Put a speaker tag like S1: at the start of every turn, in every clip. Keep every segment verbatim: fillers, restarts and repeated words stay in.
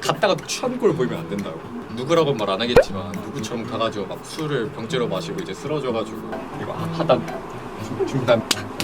S1: 갔다가 취한 걸 보이면 안 된다고. 누구라고 말 안 하겠지만 누구처럼 가가지고 막 술을 병째로 마시고 이제 쓰러져가지고 이거 하단 중단.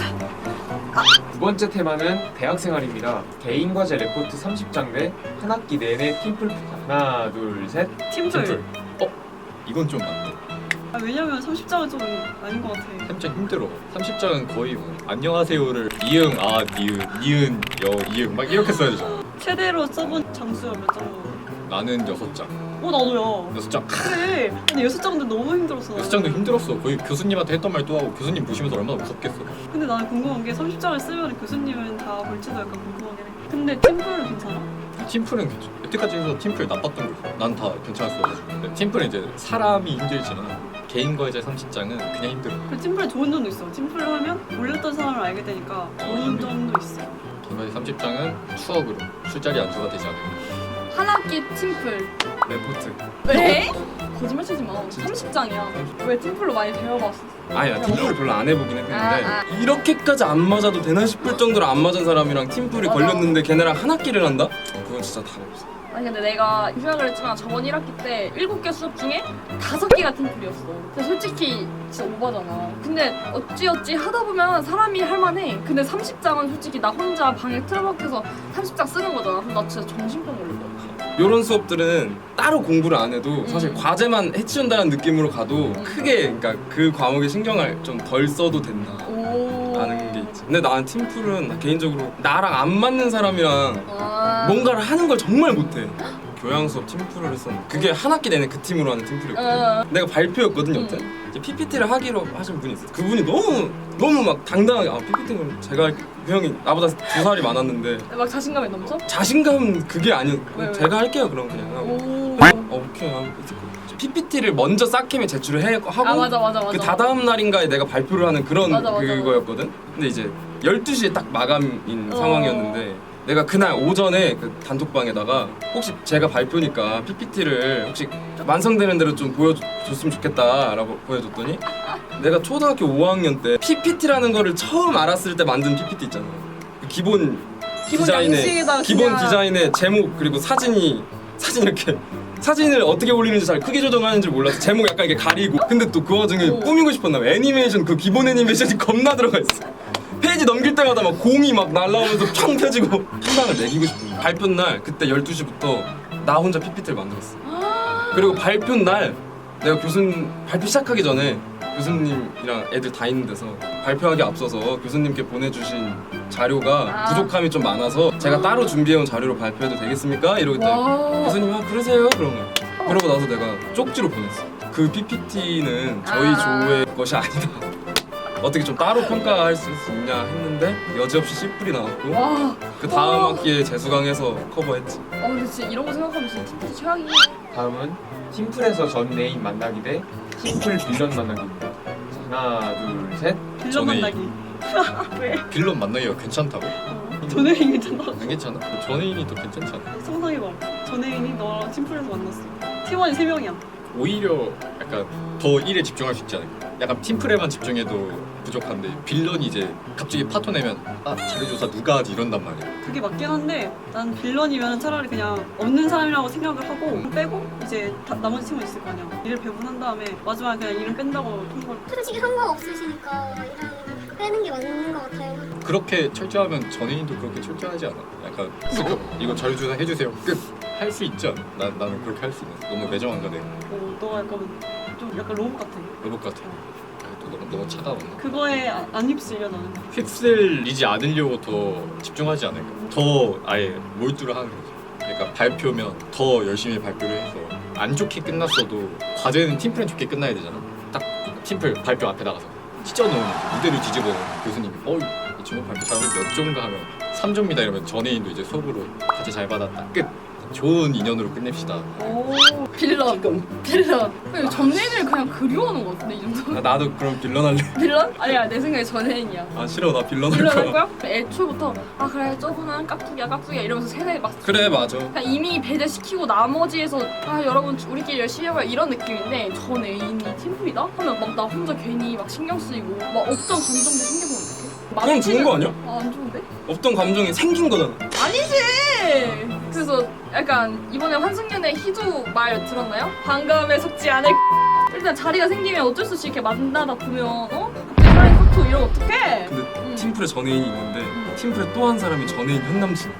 S2: 두 번째 테마는 대학생활입니다. 개인 과제 레포트 삼십 장 대 한 학기 내내 팀플. 하나 둘 셋.
S3: 팀플.
S1: 팀플. 어? 이건 좀 맞네.
S3: 아, 왜냐면 삼십 장은 좀 아닌 것 같아.
S1: 삼십 장 힘들어. 삼십 장은 거의 뭐 안녕하세요를 이응 아 니은 니은 여 이응 막 이렇게 써야 되잖아.
S3: 최대로 써본 장수가 몇 장으로?
S1: 나는 여섯 장.
S3: 어 나도야.
S1: 여섯 장.
S3: 그래. 근데 여섯 장도 너무 힘들었어.
S1: 여섯 장도 힘들었어. 거의 교수님한테 했던 말 또 하고 교수님 보시면서 얼마나 무섭겠어.
S3: 근데 나는 궁금한 게 삼십 장을 쓰면 교수님은 다 볼지도 약간 궁금하긴 해. 근데 팀플은 괜찮아?
S1: 팀플은 괜찮아. 여태까지 해서 팀플 나빴던 거 있어. 난 다 괜찮았어. 근데 팀플은 이제 사람이 힘들지만 개인 과제 삼십 장은 그냥 힘들어.
S3: 그 팀플에 좋은 점도 있어. 팀플을 하면 몰랐던 사람을 알게 되니까 좋은 점도 있어.
S1: 개인 과제 삼십 장은 추억으로 술자리 안주가 되지 않을까.
S4: 한 학기 팀플.
S2: 레포트.
S4: 왜? 거짓말 치지 마. 삼십 장이야. 왜 팀플로 많이 배워봤어?
S2: 아야 팀플을 별로 안 해보긴 했는데
S4: 아, 아.
S5: 이렇게까지 안 맞아도 되나 싶을 정도로 안 맞은 사람이랑 팀플이
S4: 맞아.
S5: 걸렸는데 걔네랑 한 학기를 한다? 그건 진짜 답 없어.
S4: 아니 근데 내가 유학을 했지만 저번 일 학기 때 일곱 개 수업 중에 다섯 개가 팀플이었어. 근데 솔직히 진짜 오바잖아. 근데 어찌어찌 하다 보면 사람이 할만해. 근데 삼십 장은 솔직히 나 혼자 방에 틀어박혀서 삼십 장 쓰는 거잖아. 그럼 나 진짜 정신병 걸릴 것 같아.
S5: 이런 수업들은 따로 공부를 안 해도 사실
S4: 음.
S5: 과제만 해치운다는 느낌으로 가도 크게 그러니까 그 과목에 신경을 좀 덜 써도 된다
S4: 오.
S5: 라는 게 있지. 근데 나는 팀플은 개인적으로 나랑 안 맞는 사람이랑
S4: 아.
S5: 뭔가를 하는 걸 정말 못해. 교양 수업 팀플을 했었는데 그게 한 학기 내내 그 팀으로 하는 팀플이었거든.
S4: 어.
S5: 내가 발표였거든
S4: 음.
S5: 여태. 이제 피피티를 하기로 하신 분이 있어. 그분이 너무 너무 막 당당하게 아 피피티는 제가 할게. 그 형이 나보다 두 살이 많았는데
S4: 막 자신감이 넘쳐?
S5: 자신감 그게 아니었.
S4: 왜, 왜?
S5: 제가 할게요 그럼 그냥 하고.
S4: 오.
S5: 어, 오케이 하고 피피티를 먼저 싹캠에 제출을 해 하고
S4: 아 맞아 맞아 맞아.
S5: 그 다다음 날인가에 내가 발표를 하는 그런
S4: 맞아, 맞아,
S5: 그거였거든. 근데 이제 열두 시에 딱 마감인
S4: 어.
S5: 상황이었는데 내가 그날 오전에 그 단톡방에다가 혹시 제가 발표니까 피피티를 혹시 완성되는 대로 좀 보여줬으면 좋겠다라고 보여줬더니 내가 초등학교 오 학년 때 피피티라는 거를 처음 알았을 때 만든 피피티 있잖아. 그 기본
S4: 기본
S5: 디자인의
S4: 양식에다가
S5: 기본
S4: 그냥-
S5: 디자인의 제목 그리고 사진이 사진 이렇게 사진을 어떻게 올리는지 잘 크게 조정하는지 몰라서 제목 약간 이렇게 가리고 근데 또 그 와중에
S4: 오.
S5: 꾸미고 싶었나 봐. 애니메이션 그 기본 애니메이션이 겁나 들어가 있어. 페이지 넘길 때마다 막 공이 막 날라오면서 팡 펴지고 한방을 매기고 싶은 거야. 발표 날 그때 열두 시부터 나 혼자 피피티를 만들었어. 그리고 발표 날 내가 교수님 발표 시작하기 전에 교수님이랑 애들 다 있는 데서 발표하기 앞서서 교수님께 보내주신 자료가
S4: 아.
S5: 부족함이 좀 많아서 제가 따로 준비해온 자료로 발표해도 되겠습니까? 이러고 있더니
S4: 와.
S5: 교수님 아 그러세요? 그런 거야. 그러고 나서 내가 쪽지로 보냈어. 그 피피티는 저희
S4: 아.
S5: 조의 것이 아니다. 어떻게 좀 따로 평가할 수 있냐 했는데 여지없이 씨 뿔이 나왔고
S4: 와.
S5: 그 다음
S4: 와.
S5: 학기에 재수강해서 커버했지.
S4: 어 근데 진짜 이런 거 생각하면 진짜 팀플 최악이야.
S2: 다음은 팀플에서 전 애인 만나기 대 팀플 빌런 만나기입니다. 자, 하나 둘 셋.
S3: 빌런
S1: 전에
S3: 만나기. 왜?
S1: 빌런 만나기가 괜찮다고?
S3: 어. 전애인 괜찮아.
S1: 안 괜찮아? 전애인이 더 괜찮잖아.
S3: 상상해봐. 전애인이 너랑 팀플에서 만났어. 팀원이 세 명이야.
S1: 오히려 약간 더 일에 집중할 수 있지 않을까? 약간 팀플에만 집중해도 부족한데 빌런이 이제 갑자기 파토 내면 아 자료조사 누가 하지 이런단 말이야.
S3: 그게 맞긴 한데 난 빌런이면 차라리 그냥 없는 사람이라고 생각을 하고 빼고 이제 다, 나머지 팀원 있을 거 아니야. 일을 배분한 다음에 마지막에 그냥 이름 뺀다고 통보를.
S6: 솔직히 상관없으시니까 이런 빼는 게 맞는 것 같아요.
S1: 그렇게 철저하면 전애인도 그렇게 철저하지 않아. 약간 이거, 이거 자료조사 해주세요 끝. 할 수 있지 않아? 난, 나는 그렇게 할 수 있는 너무 매정한가 내가.
S3: 어, 너가 약간 좀 약간 로봇 같아.
S1: 로봇 같아. 아, 또 너무, 너무 차가웠나?
S3: 그거에 아- 안 휩쓸려 나는.
S1: 휩쓸리지 않으려고 더 집중하지 않을까? 더 아예 몰두를 하는 거지. 그러니까 발표면 더 열심히 발표를 해서 안 좋게 끝났어도 과제는 팀플은 좋게 끝나야 되잖아. 딱 팀플 발표 앞에 나가서 찢어놓은 무대를 뒤집어놓은 교수님이 어, 이 친구 발표 잘하는데 몇 점인가 하면 삼 점이다 이러면 전애인도 이제 속으로 과제 잘 받았다 끝. 좋은 인연으로 끝냅시다.
S4: 오 빌런 빌런. 근데 전애인을 그냥 그리워하는 것 같은데 이 정도.
S5: 아, 나도 그럼 빌런 할래.
S4: 빌런? 아니야 내 생각에 전애인이야.
S5: 아 싫어 나 빌런 할
S4: 빌런 할
S5: 거야.
S4: 거야? 애초부터 아 그래 저분은 깍두기야 깍두기야 이러면서 세대 막
S5: 그래 맞아.
S4: 그냥 이미 배제시키고 나머지에서 아 여러분 우리끼리 열심히 해봐요 이런 느낌인데 전 애인이 팀플이다? 하면 막 나 혼자 괜히 막 신경 쓰이고 막 억정 감정도 생겨보면 어떡해?
S5: 그건 좋은 거 아니야?
S4: 아, 안 좋은데?
S5: 없던 감정이 생긴 거잖아.
S4: 아니지! 그래서 약간 이번에 환승연의 희두 말 들었나요? 반감에 속지 않을 일단 자리가 생기면 어쩔 수 없이 이렇게 만나다 보면 어? 갑자기 사랑이 확 튀고 이러면 어떡해?
S5: 근데
S4: 음.
S5: 팀플에 전혜인이 있는데 팀플에 또 한 사람이 전혜인 현남친.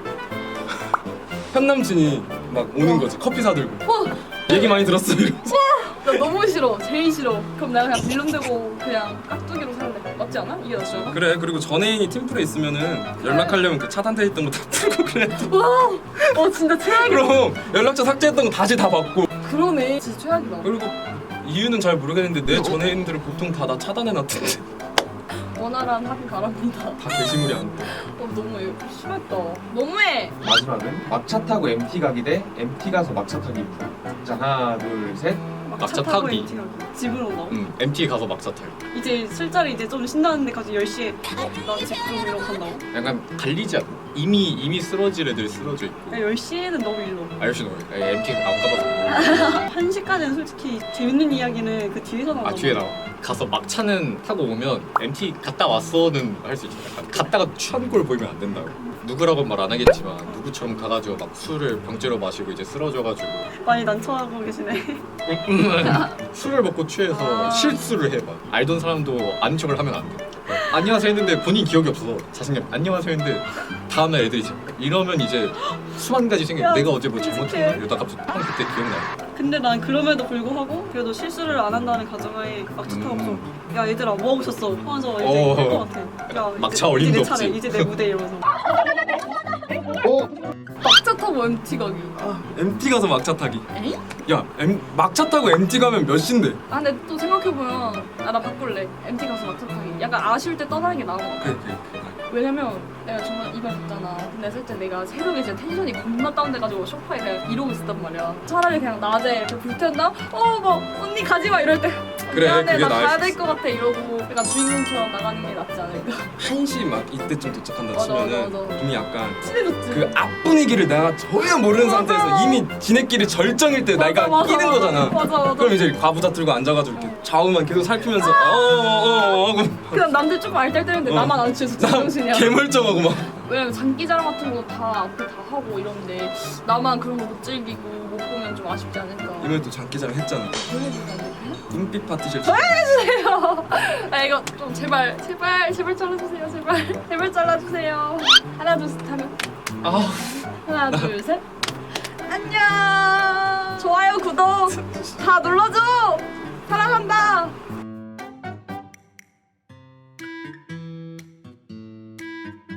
S5: 현남친이 막 오는 거지. 커피 사들고.
S4: 어,
S5: 얘기 많이 들었어 이러면서.
S4: 나 너무 싫어. 제일 싫어. 그럼 내가 그냥 빌런 되고 그냥 깍두기로 살래. 맞지 않아? 이게 낫지 않아?
S5: 그래 그리고 전혜인이 팀플에 있으면은 연락하려면 그 차단돼 있던 거 다 풀고 그래.
S4: 와, 어 진짜 최악이다.
S5: 그럼 연락처 삭제했던 거 다시 다 받고.
S4: 그러네. 진짜 최악이다.
S5: 그리고 이유는 잘 모르겠는데 내 전혜인들을 보통 다 나 차단해놨던데.
S4: 원활한 합의 바랍니다.
S5: 다 게시물이 안 돼.
S4: 어 너무 심했다. 너무해.
S2: 마지막은 막차 타고 엠티 가기 대 엠티 가서 막차 타기. 자 하나 둘 셋.
S1: 막차
S3: 타고
S1: 타기.
S3: 엠티 가기. 집으로 온다고?
S1: 음, 엠티 가서 막차 타요.
S3: 이제 술자리 이제 좀 신나는 데까지 열 시에 나 집 좀 이러고 간다고?
S1: 약간 갈리지 않아. 이미 이미 쓰러질 애들이 쓰러져 있고.
S3: 야, 열 시에는 너무 일로.
S1: 아저씨 너 엠티 안 가봐서.
S3: 한 시까지는 솔직히 재밌는 이야기는 그 뒤에서 나온다.
S1: 아 뒤에 나와. 가서 막차는 타고 오면 엠티 갔다 왔어는 할 수 있죠. 약간 갔다가 취한 걸 보이면 안 된다고. 누구라고 말 안 하겠지만 누구처럼 가가지고 막 술을 병째로 마시고 이제 쓰러져가지고
S3: 많이 난처하고 계시네.
S1: 술을 먹고 취해서
S4: 아.
S1: 실수를 해봐. 알던 사람도 아는 척을 하면 안 돼. 어, 안녕하세요 했는데 본인 기억이 없어서 자신감 안녕하세요 했는데 다음날 애들이 이제 이러면 이제 수만 가지 생겨.
S3: 야,
S1: 내가 어제 뭐
S3: 끔찍해.
S1: 잘못했나 이러다 갑자기 형 그때 기억나.
S3: 근데 난 그럼에도 불구하고 그래도 실수를 안 한다는 가정하에 막차 타고
S1: 음.
S3: 좀, 야 얘들아 뭐 하고 있었어 하면서 이제
S1: 어.
S3: 할 것 같아. 야
S1: 막차
S3: 이제,
S1: 어림도
S3: 이제 내
S1: 없지.
S3: 차례, 이제 내 무대 이러면서.
S4: 막차 타고 엠티 가기.
S5: 엠티 가서 막차 타기.
S4: 에이?
S5: 야 엠, 막차 타고 엠티 가면 몇 시인데?
S4: 아 근데 또 생각해보면 아 나 바꿀래. 엠티 가서 막차 타기. 약간 아쉬울 때 떠나는 게 나은 것 같아.
S5: 그래 그래 그래.
S4: 왜냐면 내가 정말 이발 갔잖아. 근데 살짝 내가 새벽에 진짜 텐션이 겁나 다운돼가지고 소파에 그냥 이러고 있었단 말이야. 차라리 그냥 낮에 이렇게 불태운다? 어, 막 언니 가지마 이럴 때
S5: 그래,
S4: 미안해
S5: 그게
S4: 나
S5: 나을
S4: 가야
S5: 수
S4: 될 것 같아 이러고 약간 주인공처럼 나가는 게 낫지 않을까.
S5: 한 시 막 이때쯤 도착한다
S4: 맞아,
S5: 치면은
S4: 맞아, 맞아.
S5: 이미 약간
S4: 친해졌지.
S5: 그 앞 분위기를 내가 전혀 모르는
S4: 맞아.
S5: 상태에서 이미 지네끼리 절정일 때 내가
S4: 맞아,
S5: 끼는
S4: 맞아.
S5: 거잖아.
S4: 맞아 맞아.
S5: 그럼 이제 과부자 들고 앉아가지고 이렇게 좌우만 계속 살피면서 어어어 하고
S4: 그냥 남들 조금 알딸딸했는데
S5: 어.
S4: 나만 안 취해서
S5: 나
S4: 제정신이야.
S5: 개멀쩡하고 막
S4: 왜냐면 장기자랑 같은 거 다 앞에 다 하고 이런데 나만 그런 거 못 즐기고 못 보면 좀 아쉽지 않을까.
S5: 이번에 또 장기자랑 했잖아.
S4: 보여주면 안 될까요?
S5: 눈빛 파티션.
S4: 아 이거 좀 제발 제발 제발 잘라주세요 제발 제발 잘라주세요. 하나 둘 셋 하면
S5: 아
S4: 하나 둘 셋 안녕. 좋아요 구독 다 눌러줘. 사랑한다.